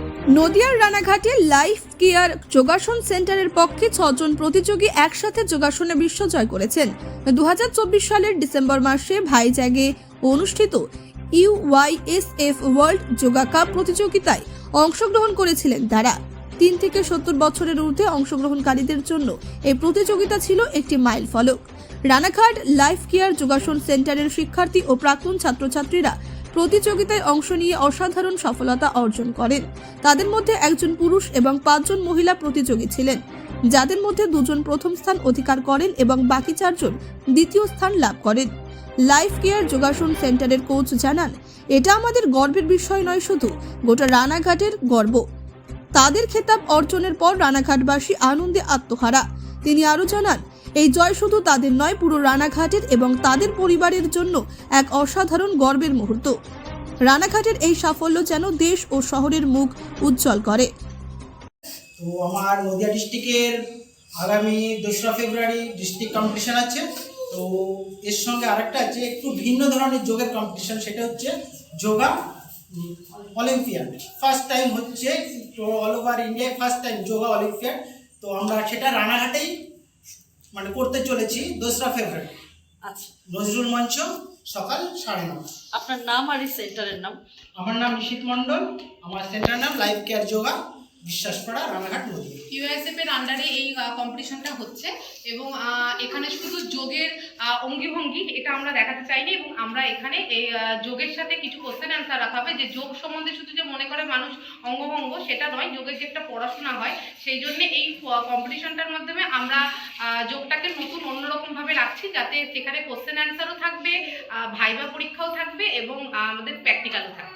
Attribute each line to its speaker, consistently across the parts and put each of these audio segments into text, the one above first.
Speaker 1: নদিয়ার রানাঘাটে life care যোগাসন সেন্টারের পক্ষে 6 জন প্রতিযোগী একসাথে যোগাসনে বিশ্ব জয় করেছেন। 2024 সালের ডিসেম্বর মাসে ভাইজ্যাগে অনুষ্ঠিত ইউওয়াইএসএফ ওয়ার্ল্ড যোগা কাপ প্রতিযোগিতায় অংশগ্রহণ করেছিলেন তারা। 3 থেকে 70 বছরের ঊর্ধ্বে অংশগ্রহণকারীদের জন্য এই প্রতিযোগিতা ছিল একটি মাইল ফলক। রানাঘাট লাইফ কেয়ার যোগাসন সেন্টারের শিক্ষার্থী ও প্রাক্তন ছাত্রছাত্রীরা প্রতিযোগিতায় অংশ নিয়ে অসাধারণ সফলতা অর্জন করেন। তাদের মধ্যে একজন পুরুষ এবং 5 জন মহিলা প্রতিযোগী ছিলেন, যাদের মধ্যে 2 জন প্রথম স্থান অধিকার করেন এবং বাকি 4 জন দ্বিতীয় স্থান লাভ করেন। লাইফ কেয়ার যোগাসন সেন্টারের কোচ জানান, এটা আমাদের গর্বের বিষয় নয়, শুধু গোটা রানাঘাটের গর্ব। তাদের খেতাব অর্জনের পর রানাঘাটবাসী আনন্দে আত্মহারা। তিনি আরও জানান, এই জয় শুধু তাদের নয়, পুরো রানাঘাটের এবং তাদের পরিবারের জন্য এক অসাধারণ গর্বের মুহূর্ত। রানাঘাটের এই সাফল্য যেন দেশ ও শহরের মুখ উজ্জ্বল করে।
Speaker 2: তো আমার নদিয়া ডিস্ট্রিক্টের আগামী 2রা ফেব্রুয়ারি ডিস্ট্রিক্ট কম্পিটিশন আছে। তো এর সঙ্গে আরেকটা আছে একটু ভিন্ন ধরনের যোগের কম্পিটিশন, সেটা হচ্ছে যোগা অলিম্পিয়াড। ফার্স্ট টাইম হচ্ছে, তো অল ওভার ইন্ডিয়ায় ফার্স্ট টাইম যোগা অলিম্পিয়াড। তো আমরা সেটা রানাঘাটেই করতে চলেছি 2রা ফেব্রুয়ারি।
Speaker 3: আচ্ছা,
Speaker 2: নজরুল মঞ্চ, সকাল 9:30।
Speaker 3: আপনার নাম আর এই সেন্টারের নাম?
Speaker 2: আমার নাম নিশীথ মণ্ডল, আমার সেন্টারের নাম life care yoga, Biswaspara, Ranaghat, নদী।
Speaker 4: ইউএসএফ এর আন্ডারে এই কম্পিটিশনটা হচ্ছে এবং এখানে শুধু যোগের অঙ্গিভঙ্গি এটা আমরা দেখাতে চাইনি, এবং আমরা এখানে এই যোগের সাথে কিছু কোশ্চেন অ্যান্সার রাখা হবে। যে যোগ সম্বন্ধে শুধু যে মনে করে মানুষ অঙ্গভঙ্গ, সেটা নয়, যোগের যে একটা পড়াশোনা হয়, সেই জন্য এই কম্পিটিশনটার মাধ্যমে আমরা যোগটাকে নতুন অন্যরকমভাবে রাখছি, যাতে সেখানে কোশ্চেন অ্যান্সারও থাকবে, ভাইবা পরীক্ষাও থাকবে এবং আমাদের প্র্যাকটিক্যালও থাকবে।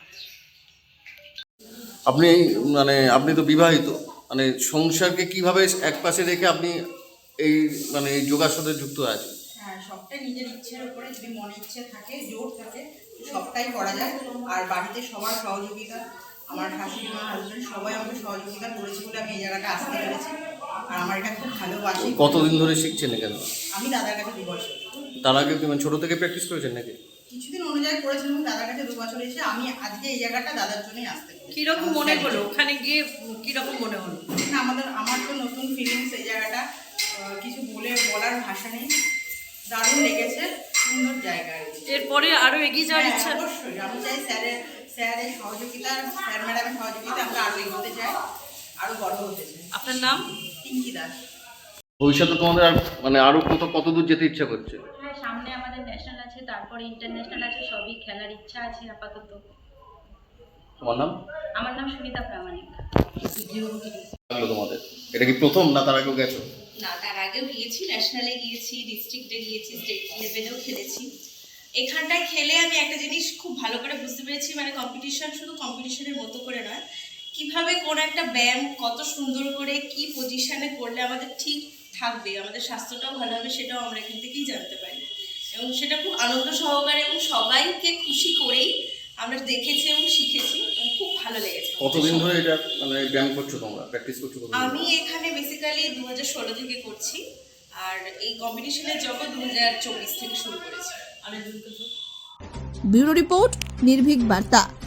Speaker 5: আপনি তো বিবাহিত, সংসারকে কিভাবে এক পাশে রেখে আপনি এই এই যোগাসনে যুক্ত আছেন?
Speaker 6: হ্যাঁ, সবটাই নিজের ইচ্ছের উপরে, যদি মনে ইচ্ছে থাকে, জোর থাকে, সবটাই করা যায়। আর বাড়িতে সবার সহযোগিতা, আমার শাশুড়ি মা, হাজব্যান্ড সবাই আমাকে সহযোগিতা করেছে বলে আমি এই জায়গাটা আসতে পেরেছি। আর আমার এটা খুব ভালোবাসি।
Speaker 5: কতদিন ধরে শিখছেন এখানে?
Speaker 6: আমি দাদার কাছে 2 বছর।
Speaker 5: তার আগে কি ছোট থেকে প্র্যাকটিস করেছেন নাকি?
Speaker 6: কিছুদিন অনুযায়ী করেছিলাম, দাদার কাছে 2 বছর এসে আমি আজকে এই জায়গাটা দাদার জন্যই আসতে পেরেছি।
Speaker 3: কিরকম মনে হলো ওখানে গিয়ে? কিরকম মনে হলো?
Speaker 6: না, আমার তো নতুন ফিলিংস এই জায়গাটা, কিছু বলার ভাষা নেই। দারুণ লেগেছে, সুন্দর জায়গা।
Speaker 3: এরপরে আরো এগিয়ে যাওয়ার ইচ্ছা?
Speaker 6: অবশ্যই, আমি চাই স্যারের সহযোগিতা, স্যার ম্যাডামের সহযোগিতা আমরা আরো এগোতে চাই, আরো বড় হতে চাই।
Speaker 3: আপনার নাম?
Speaker 6: টিঙ্কি দাস।
Speaker 5: ভবিষ্যতে তোমাদের আরো কত দূর যেতে ইচ্ছা করছে?
Speaker 7: হ্যাঁ, সামনে আমাদের ন্যাশনাল আছে, তারপরে ইন্টারন্যাশনাল আছে, সবই খেলার ইচ্ছা আছে আপাতত।
Speaker 5: তোমার নাম?
Speaker 7: আমার নাম সুনিতা প্রামাণিক।
Speaker 5: তোমাদের এটা কি প্রথম, না তার আগেও গেছো?
Speaker 8: না, তার আগেও গিয়েছি, ন্যাশনালে গিয়েছি, ডিস্ট্রিক্টে গিয়েছি, স্টেট লেভেলেও খেলেছি। এখানটায় খেলে আমি একটা জিনিস খুব ভালো করে বুঝতে পেরেছি, কম্পিটিশন শুধু কম্পিটিশনের মতো করে নয়, কিভাবে কোন একটা ব্যায়াম কত সুন্দর করে কি পজিশনে করলে আমাদের ঠিক থাকবে, আমাদের স্বাস্থ্যটাও ভালো হবে, সেটাও আমরা এখান থেকেই জানতে পারি। এবং সেটা খুব আনন্দ সহকারে এবং সবাইকে খুশি করেই আমরা দেখেছি এবং শিখেছি, এবং খুব ভালো লেগেছে।
Speaker 5: কতদিন ধরে এটা ব্যায়াম করছো তোমরা, প্র্যাকটিস করছো?
Speaker 8: আমি এখানে বেসিক্যালি 2016 থেকে করছি, আর এই কম্পিটিশনের জগৎ 2024 থেকে শুরু করেছি।
Speaker 1: ব্যুরো রিপোর্ট, নির্ভীক বার্তা।